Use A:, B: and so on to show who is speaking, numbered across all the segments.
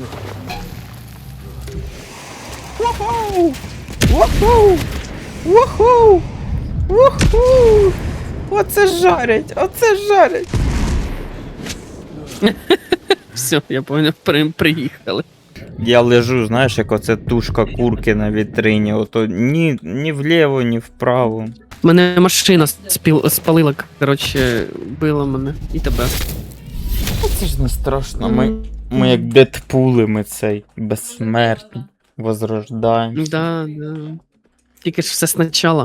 A: Уху! Уху! Уху! Уху! Оце жарять! Оце жарять!
B: Все, я понял, приїхали.
A: Я лежу, знаєш, як оце тушка курки на вітрині, ото ні вліво, ні вправо.
B: Мене машина спалила, коротше, била мене і тебе.
A: Це ж не страшно, ми як Дедпули, ми цей безсмертні, возрождаємо.
B: Да. Тільки ж все спочатку.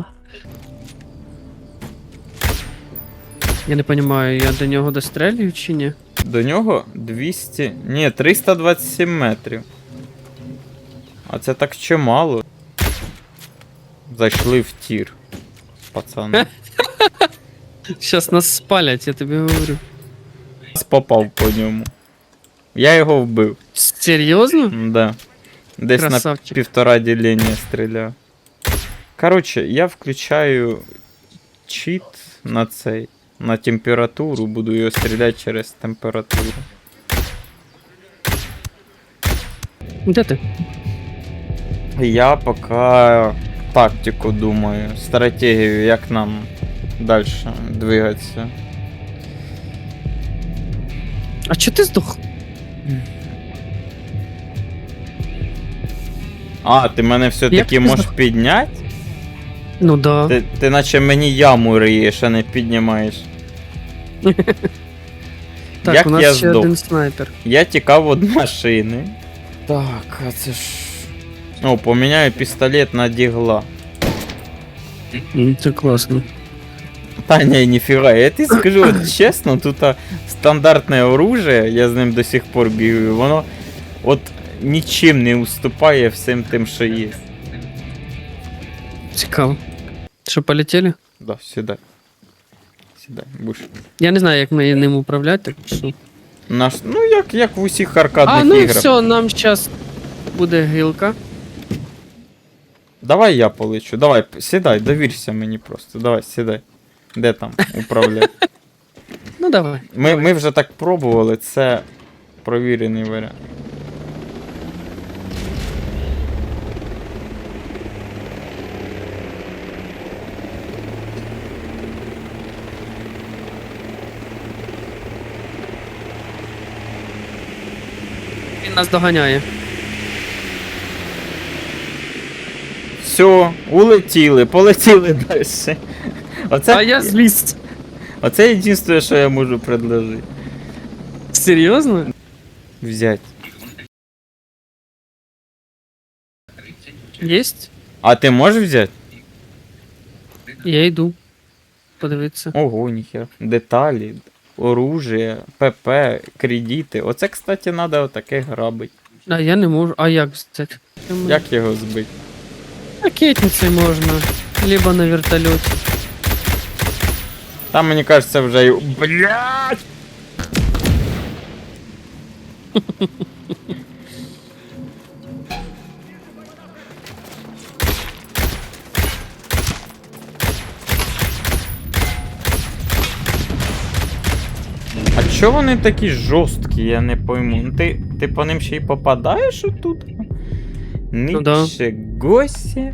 B: Я не розумію, я до нього дострелюю чи ні?
A: До нього 200, ні, 327 метрів. А це так чимало. Зайшли в тір, пацани.
B: Щас нас спалять, я тобі говорю.
A: Попав по ньому. Я його вбив.
B: Серйозно?
A: Да. Десь
B: Красавчик.
A: на півтора ділення стріляв. Коротше, я включаю чіт на цей. На температуру, буду його стріляти через температуру.
B: Де ти?
A: Я поки тактику думаю, стратегію, як нам далі двигатися.
B: А чого ти здох?
A: А, ти мене все-таки
B: Як ти
A: можеш підняти?
B: Ну да.
A: Ти наче мені яму риєш, а не піднімаєш.
B: Так,
A: як
B: у нас
A: я
B: ще
A: здох?
B: один снайпер.
A: Я тікав від машини. Так, а це ж... О, поміняю пістолет на дігла.
B: Це класно.
A: Та ні, ніфіга, я тобі скажу, от чесно, тут стандартне оружие, я з ним до сих пор бігаю, воно от нічим не уступає всім тим, що є.
B: Цікаво. Що, полетіли?
A: Да, сідай. Сідай, будеш.
B: Я не знаю, як ми ним управляти, так що.
A: Ну, як в усіх аркадних
B: А, ну
A: іграх.
B: все, нам зараз буде гілка.
A: Давай я полечу, давай, сідай, довірся мені просто, давай, сідай. Де там управляти?
B: Ну давай.
A: Ми вже так пробували, це провірений варіант.
B: Він нас доганяє.
A: Все, улетіли, полетіли далі.
B: А я зліз.
A: Оце єдине, що я можу предложити.
B: Серйозно?
A: Взять.
B: Єсть?
A: А ти можеш взяти?
B: Я йду. Подивитися.
A: Ого, ніхера. Деталі, оружие, ПП, кредити. Оце, кстати, треба отаке грабить.
B: А я не можу. А як взяти?
A: Як його збити?
B: Ракетницей можна. Либо на вертольоті.
A: Там, мені кажеться, вже й... Блядь! А чо вони такі жорсткі, я не пойму. Ну ти по ним ще й попадаєш отут?
B: Ну да.
A: Нічого сі.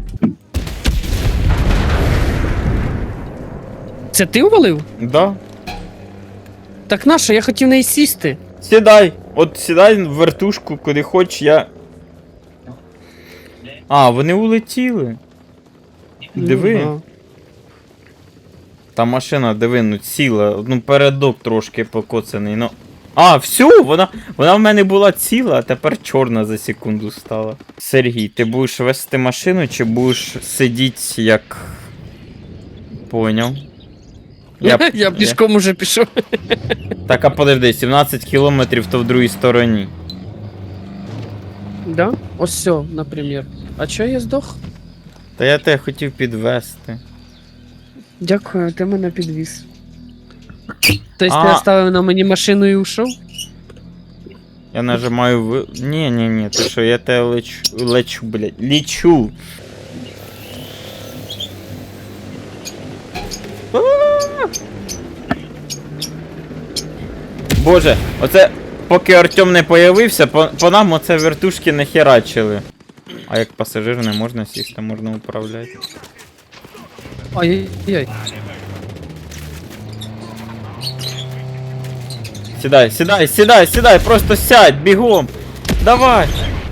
B: Це ти увалив?
A: Да.
B: Так нащо? Я хотів неї сісти.
A: Сідай! От сідай в вертушку, куди хоч, я... А, вони улетіли. Диви.
B: Ну, да.
A: Та машина, диви, ну ціла. Ну передок трошки покоцаний, ну. А, все, вона в мене була ціла, а тепер чорна за секунду стала. Сергій, ти будеш вести машину чи будеш сидіти як... Поняв.
B: Я пішком уже пішов.
A: Так, а подожди, 17 кілометрів то в другій стороні.
B: Да? Ось все, наприклад. А чого я здох?
A: Та я тебе хотів підвести.
B: Дякую, ти мене підвіз. Тобто
A: А.
B: ти оставив на мені машину і ушов?
A: Я нажимаю в... Ні, ти що, я тебе лечу, блядь, лічу. Боже, оце поки Артем не появився, по нам оце вертушки не херачили. А як пасажир не можна сісти, можна управляти.
B: Ай-яй-яй.
A: Сідай, сідай, сідай, сідай, просто сядь, бігом. Давай.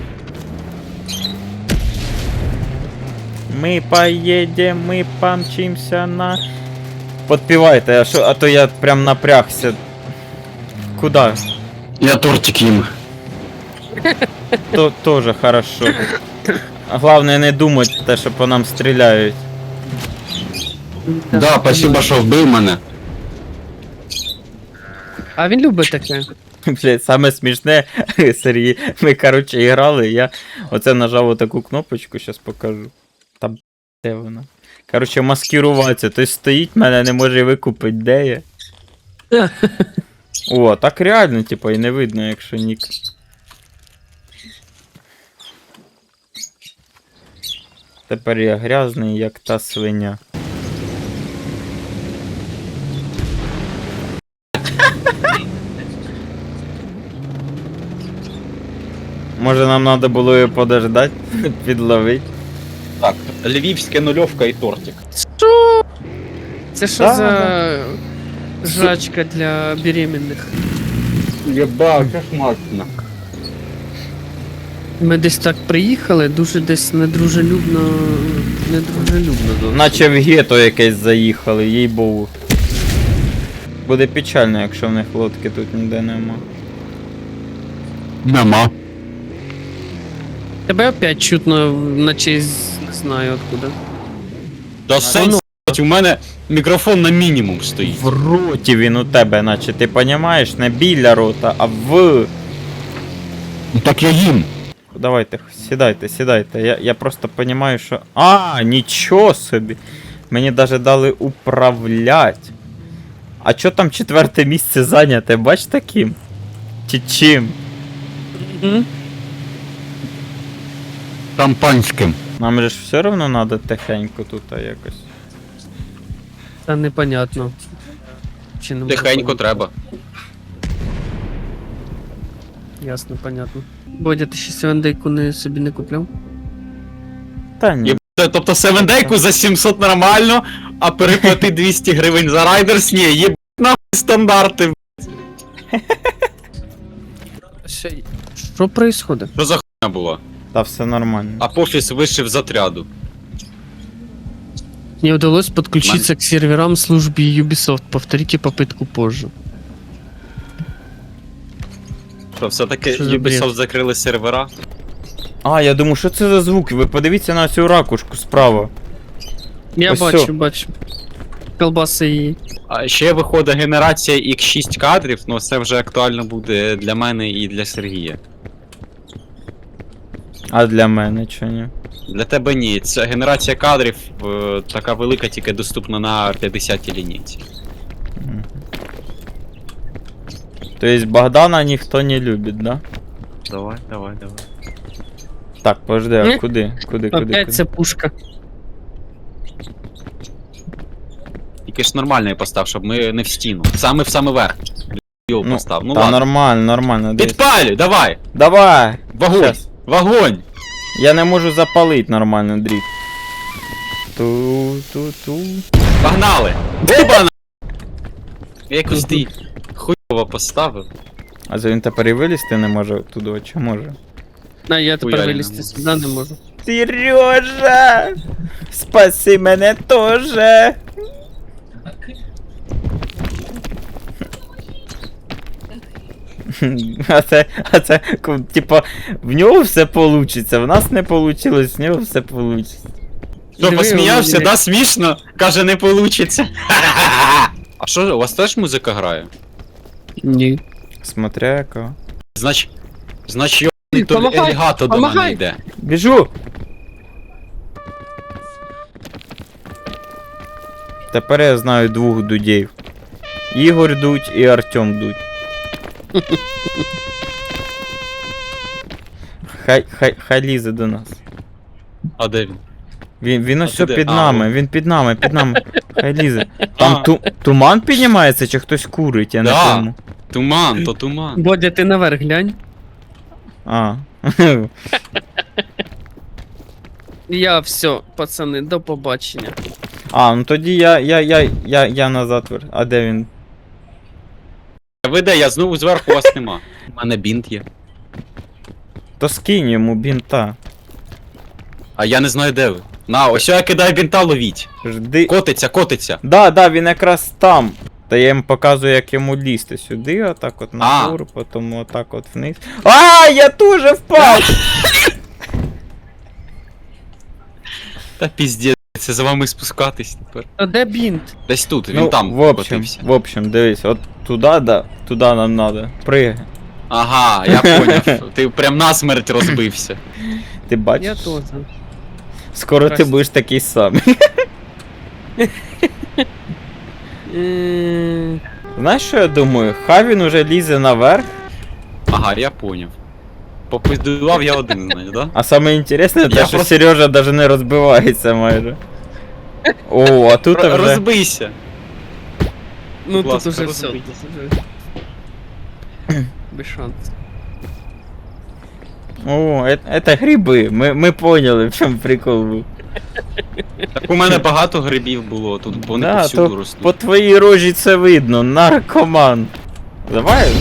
A: Мы поедем, мы помчимся на... Подпевай-то, а то я прям напрягся. Куда?
C: Я тортик їм.
A: То тоже хорошо. Главное не думать, те, що по нам стріляють.
C: Да, спасибо, що вбив мене.
B: А він любить таке.
A: Блять, саме смішне, Сергій, ми, короче, грали, я оце нажав отаку кнопочку, щас покажу. Та де вона? Короче, маскируватися, той стоїть, мене не може викупити, де я. О, так реально, типа, і не видно, якщо нік. Тепер я грязний, як та свиня. Може нам треба було її подождати, підловити.
C: Так, львівська нульовка і тортик.
B: Що? Це що
A: Да,
B: за жрачка для беременних?
C: Єба, кошмарно.
B: Ми десь так приїхали, дуже десь недружелюбно. Недружелюбно.
A: Наче в гетто якесь заїхали, їй богу. Буде печально, якщо в них лодки тут ніде нема.
C: Нема.
B: Тебе опять чутно, наче не знаю откуда.
C: Та сенс, у мене мікрофон на мінімум стоїть.
A: В роті він у тебе, наче ти понімаєш, не біля рота, а в.
C: Ну так я їм.
A: Давайте, сідайте, сідайте. Я просто понімаю, що. А, нічого собі. Мені даже дали управлять. А чо там 4 місце зайняте, бач таким? Чи чим?
B: Угу.
C: Шампанським.
A: Нам же ж все одно треба тихенько тут якось.
B: Та непонятно. Чи не можу
C: Тихенько
B: поняти.
C: треба.
B: Ясно, понятно. Бодя, ти ще севендейку не собі не купляв?
A: Та ні.
C: Тобто 7-дейку за 700 нормально, а переплати 200 гривень за райдерс, ні, є нахуй стандарти.
B: Що происходит?
C: Що за хуйня була?
A: Та все нормально.
C: Апофіс вишив з отряду.
B: Не удалось подключиться к серверам службы Ubisoft. Повторите попытку позже.
C: Що, все-таки
B: Що за бред?
C: Ubisoft закрили сервера?
A: А, я думаю, що це за звуки? Ви подивіться на цю ракушку справа.
B: Я
A: Ось
B: бачу,
A: сьо.
B: бачу. Колбаси і...
C: А ще виходить генерація X6 кадрів, ну це вже актуально буде для мене і для Сергія.
A: А для мене чи ні?
C: Для тебе ні, ця генерація кадрів така велика, тільки доступна на 50-й лінійці.
A: Мгм. Тобто Богдана ніхто не любить, да?
C: Давай.
A: Так, подожди, а куди? Куди?
B: Опять це пушка.
C: Тільки ж нормально я постав, щоб ми не в стіну. Саме в самий верх. Його
A: Ну,
C: постав. Ну
A: та
C: ладно.
A: нормально, дивись.
C: Підпалю, давай!
A: Давай!
C: Вогонь!
A: Щас.
C: Вогонь!
A: Я не можу запалити нормально дріт. Ту-ту-ту.
C: Погнали! Оба на! Я якось ти хуйово поставив.
A: А за він тепер і вилізти не може туди, чи може?
B: А я тепер
C: Хуяльно.
B: вилізти сюди не можу.
A: Сережа! Спаси мене тоже! Типа, в нього все получиться, в нас не получилось, в нього все получиться.
C: Що,
B: Диви,
C: посміявся,
B: Володя.
C: да, смішно? Каже, не получиться. А що, у вас теж музика грає?
B: Ні.
A: Смотря яка.
C: Значить, йобаний то
B: Помагай,
C: Елігато до
B: помагай.
C: мене йде.
A: Біжу! Тепер я знаю 2 дудів. Ігор Дудь і Артем Дудь. Хай лізе до нас.
C: А де він?
A: Він ось
C: А туди?
A: під
C: А,
A: нами, він під нами. Хай лізе. Там туман піднімається чи хтось курить, я не
C: Да.
A: пойму.
C: Туман, то туман.
B: Бодя, ти наверх глянь.
A: А.
B: Я все, пацани, до побачення.
A: А, ну тоді я назад вер. А де він?
C: Ви де, я знову зверху, вас нема. У мене бінт є.
A: То скинь йому бінта.
C: А я не знаю, де ви. На, ось я кидаю бінта, ловіть.
A: Жди.
C: Котиться.
A: Да, він якраз там. Та я їм показую, як йому лізти сюди, отак от нагору, потім отак от вниз. А, я теж впав!
C: Та піздець, це за вами спускатись тепер.
B: А де бінт?
C: Десь тут, він
A: Ну,
C: там
A: в общем,
C: котився.
A: дивись, от туди, да, туди нам надо. Пригай.
C: Ага, я поняв. Ти прям насмерть розбився.
A: Ти
B: Я
A: бачиш?
B: теж.
A: Скоро ти
B: Здрасте.
A: будеш такий самий. Знаєш, що я думаю? Хай він уже лізе наверх,
C: Ага, я поняв. Попиздував я один, знаєш, да?
A: а саме інтересне, те,
C: Я
A: що
C: просто-
A: Сережа навіть не розбивається майже. О, а тут вже...
C: Розбийся.
B: Ну
C: Будь
B: тут
C: ласка,
B: уже все.
C: розбийся.
B: Без шансів.
A: О, это гриби, ми поняли, в чому прикол був.
C: Так у мене багато грибів було, тут вони
A: Да,
C: повсюду
A: то
C: ростуть.
A: по твоїй рожі це видно, наркоман. Давай.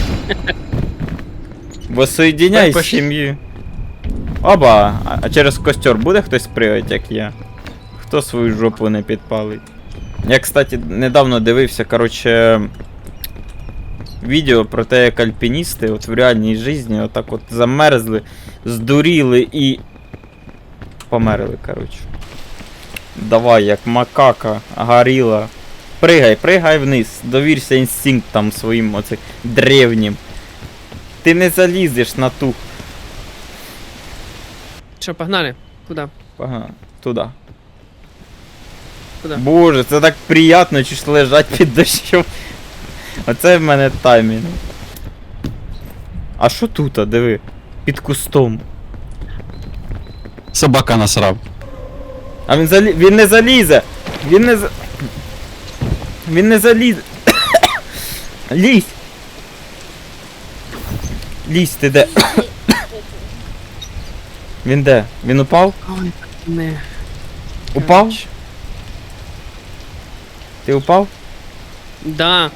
A: Воссоединяй
C: Так, пошли.
A: сім'ю. Оба, а через костер буде хтось пригати, як я? Хто свою жопу не підпалить? Я, кстати, недавно дивився, короче, відео про те, як альпіністи от в реальній житті отак от замерзли, здуріли і померли, короче. Давай, як макака, горіла. Пригай вниз, довірся інстинктам своїм оцим древнім. Ти не залізеш на ту.
B: Що, погнали? Куди?
A: Ага, туди.
B: Куди?
A: Боже, це так приємно, чи ж лежать під дощом. Оце в мене таймінг. А що тут, диви? Під кустом.
C: Собака насрав.
A: А він не залізе! Він не залізе! Лізь! Лізь, ти де? Він де? Він упав?
B: Ой, не.
A: Упав? Ти упав?
B: Да,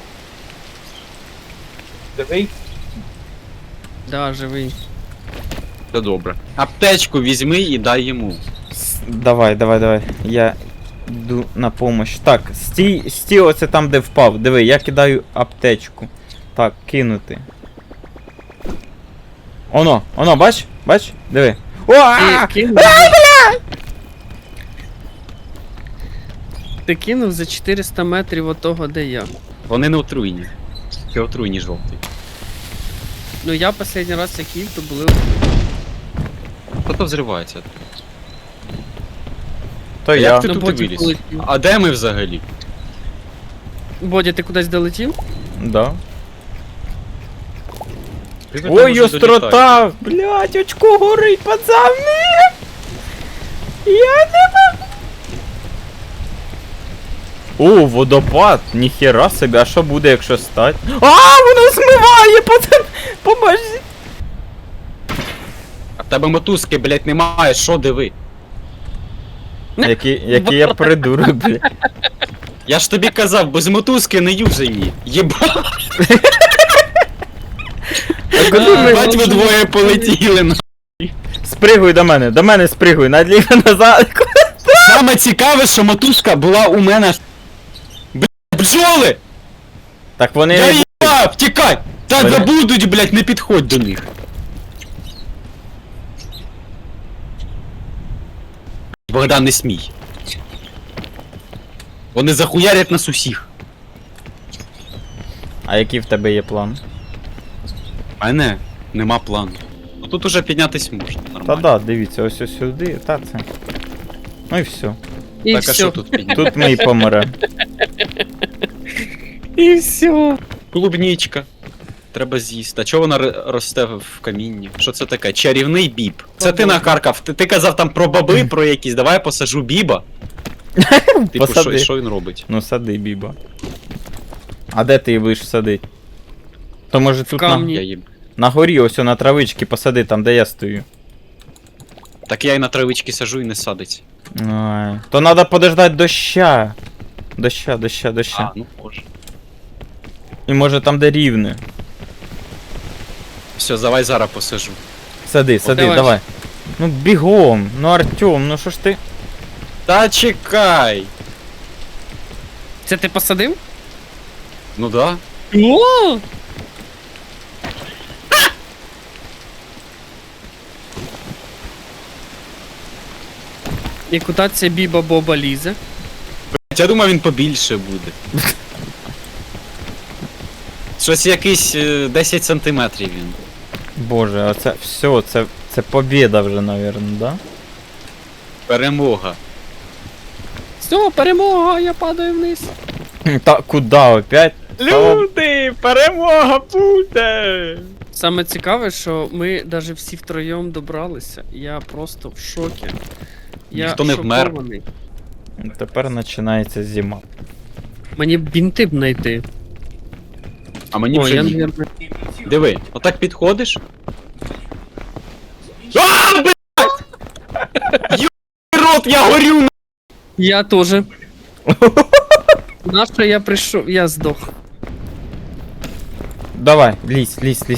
C: Дивий.
B: да, живий.
C: Це добре. Аптечку візьми і дай йому.
A: Давай. Я йду на помощь. Так, стій оце там, де впав. Диви, я кидаю аптечку. Так, кинути. Оно, бач? Диви.
B: Ти кинув? Ти кинув за 400 метрів от того, де я.
C: Вони не отруйні. Чи отруйні жовтий.
B: Ну я останній раз як їв, то були.
C: Хто взривається?
A: То
C: Як
A: я.
C: ти
B: Ну,
C: тут
B: Бодя
C: виліз?
B: полетів.
C: А де ми взагалі?
B: Бодя, ти кудись долетів?
A: Да.
C: Ти там
A: Ой,
C: уже
A: острота! Блять, очко горить, пацани! Я не могу. О, водопад! Ніхера собі, а що буде, якщо стать? А, воно змиває, пацан! Поможи!
C: А в тебе мотузки, блять, немає, що диви?
A: Який я придурок, блядь.
C: Я ж тобі казав, без мотузки не юзані. Єба,
A: А куди ми?
C: бать ви двоє полетіли.
A: Спригуй до мене спригуй, надліво назад.
C: Саме цікаве, що мотузка була у мене. Блять, бджоли!
A: Так вони...
C: Я їбав, тікай! Та
A: Вони-
C: забудуть, блять, не підходь до них. Богдан, не смій. Вони захуярять нас усіх.
A: А який в тебе є план?
C: У мене нема плану. Ну тут уже піднятись можна,
A: Та
C: нормально.
A: да, дивіться, ось сюди, та це. Ну і все.
B: І
C: Так, а
B: все.
C: що тут підняти?
A: Тут ми і помремо.
B: І все.
C: Клубнічка. Треба з'їсти. А чого вона росте в камінні? Що це таке? Чарівний біб. Це ти накаркав. Ти казав там про баби, про якісь. Давай я посажу біба. Типу,
A: Посади.
C: що він робить?
A: Ну сади, Біба. А де ти її будеш садити? То може тут
B: камні.
C: Я їм.
A: на горі, ось на травички посади, там де я стою.
C: Так я і на травички сажу і не садиться.
A: Ай. То треба подождати доща. Доща.
C: А, ну може.
A: І може там де рівне.
C: Все, давай зараз посажу.
A: Сади,
B: давай.
A: давай. Ну бігом, ну Артем, ну що ж ти?
C: Та чекай!
B: Це ти посадив?
C: Ну да.
B: О! І куди ця біба Боба лізе?
C: Я думав, він побільше буде. Щось якийсь 10 сантиметрів він.
A: Боже, а це все, це побєда вже, навірно, да?
C: Перемога.
B: Все, перемога, я падаю вниз.
A: Та куди опять?
C: Люди, перемога буде!
B: Саме цікаве, що ми навіть всі втроєм добралися. Я просто в шокі. Я
C: Ніхто не вмер.
B: шокований.
A: Тепер починається зима.
B: Мені б бінти б знайти.
C: А мені
B: О,
C: вже
B: я,
C: ні.
B: наверное...
C: Диви, отак підходиш. А, блядь! Ёбаний рот, я горю!
B: Я теж. Нащо я прийшов? Я здох.
A: Давай, лізь,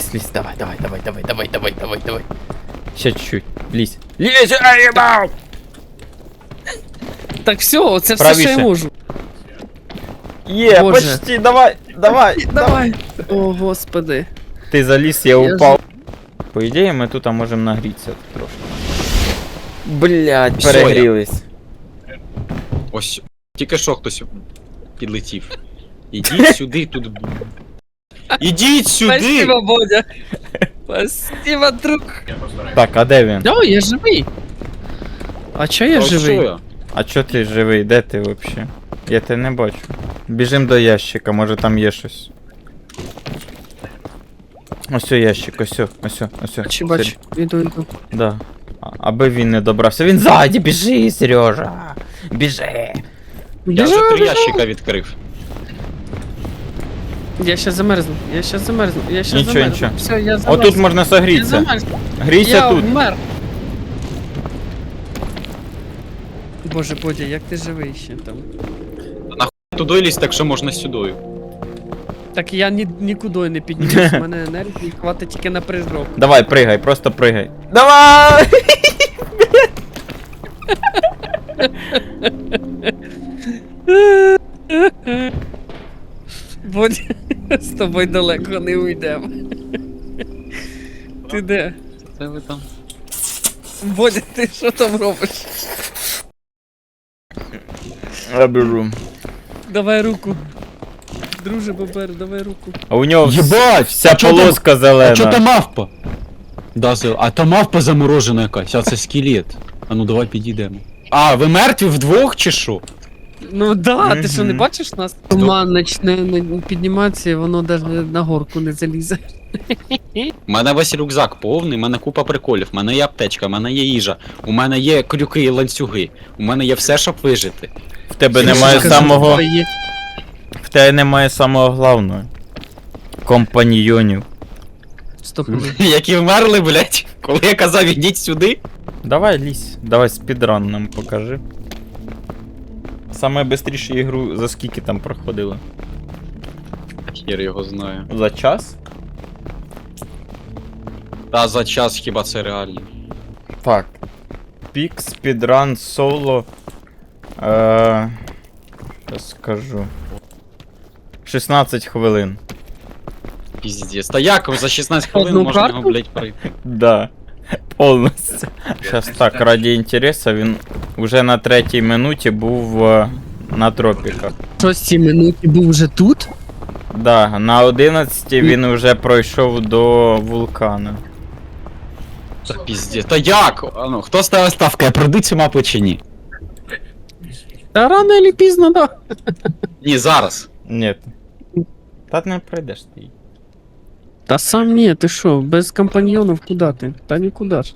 A: давай. Ще чуть-чуть, лізь. Лізь, аїбав!
B: Так все, це все, що
A: Правіше.
B: я можу.
A: Є,
B: Боже.
A: почти, давай.
B: Давай. О, господи.
A: Ти заліз, я
B: Я
A: упав. По ідеї, ми тут можемо нагрітися трошки. Блять,
C: Всё,
A: перегрілись.
C: Ось, тільки що хтось підлетів. Ідіть сюди, тут. Ідіть сюди!
B: Спасибо, Бодя. Спасибо, друг.
A: Так, а де він?
B: О, я живий. А чо я
C: Та що
B: живий?
C: я?
A: А чо ти живий? Де ти взагалі? Я тебе не бачу. Біжим до ящика, може там є щось. Ось ящик, ось.
B: Бачу. Іду.
A: Да. Аби він не добрався. Він ззаді, біжи, Сережа! Біжи!
C: Я вже 3 ящика відкрив.
B: Я щас замерзну.
A: Нічого.
B: Все, я замерз.
A: Отут можна
B: Я
A: согрітися.
B: замерз.
A: Грійся
B: Я
A: тут.
B: вмер. Боже, Бодя, як ти живий ще там?
C: Туди лізь, так що можна сюди.
B: Так я нікуди не піднімусь, у мене енергії хватить тільки на прыжок.
A: Давай, пригай, просто пригай. Давай!
B: Бодя, з тобою далеко не уйдемо. Ти де?
C: Це ви там.
B: Бодя, ти що там робиш?
A: Я біжу.
B: Давай руку. Друже Бобер, давай руку.
A: А у нього
C: Єбать!
A: вся
C: а чо там-
A: полоска зелена.
C: А чо там мавпа? Да, а там мавпа заморожена якась, а це скелет. А ну давай підійдемо. А, ви мертві вдвох чи що?
B: Ну да, ти що не
A: Мгм.
B: бачиш нас? Туман почне підніматися, і воно навіть на горку не залізе.
C: У мене весь рюкзак повний, у мене купа приколів, у мене є аптечка, у мене є їжа, у мене є крюки і ланцюги, у мене є все, щоб вижити.
A: В тебе
B: Ти
A: немає
B: що,
A: самого.
B: твоє?
A: В тебе немає самого главного. Компаньйонів.
B: Стоп.
C: Які вмерли, блять, коли я казав, ідіть сюди.
A: Давай лізь, давай спідран нам покажи. Саме бистрішу ігру за скільки там проходили?
C: Хір його знаю.
A: За час?
C: Та за час хіба це реально.
A: Так. Пік, спідран, соло. Щас скажу. 16 хвилин.
C: Піздець. Та як за 16 хвилин
B: Одну
C: можна
B: карту?
C: його, блять, пройти?
A: Да. Повністю. Щас так, раді інтересу, він вже на 3-й минуті був на тропіках.
B: 6 минуті був вже тут?
A: Да, на 11 він вже пройшов до вулкана.
C: Та піздець. Та як? А ну, хто ставив ставки, я пройду цю мапу чи ні?
B: Та рано чи пізно, да.
C: Ні, зараз.
A: Ні. Та не пройдеш ти.
B: Та сам ні, ти що, без компаньйонів куди ти? Та нікуди ж.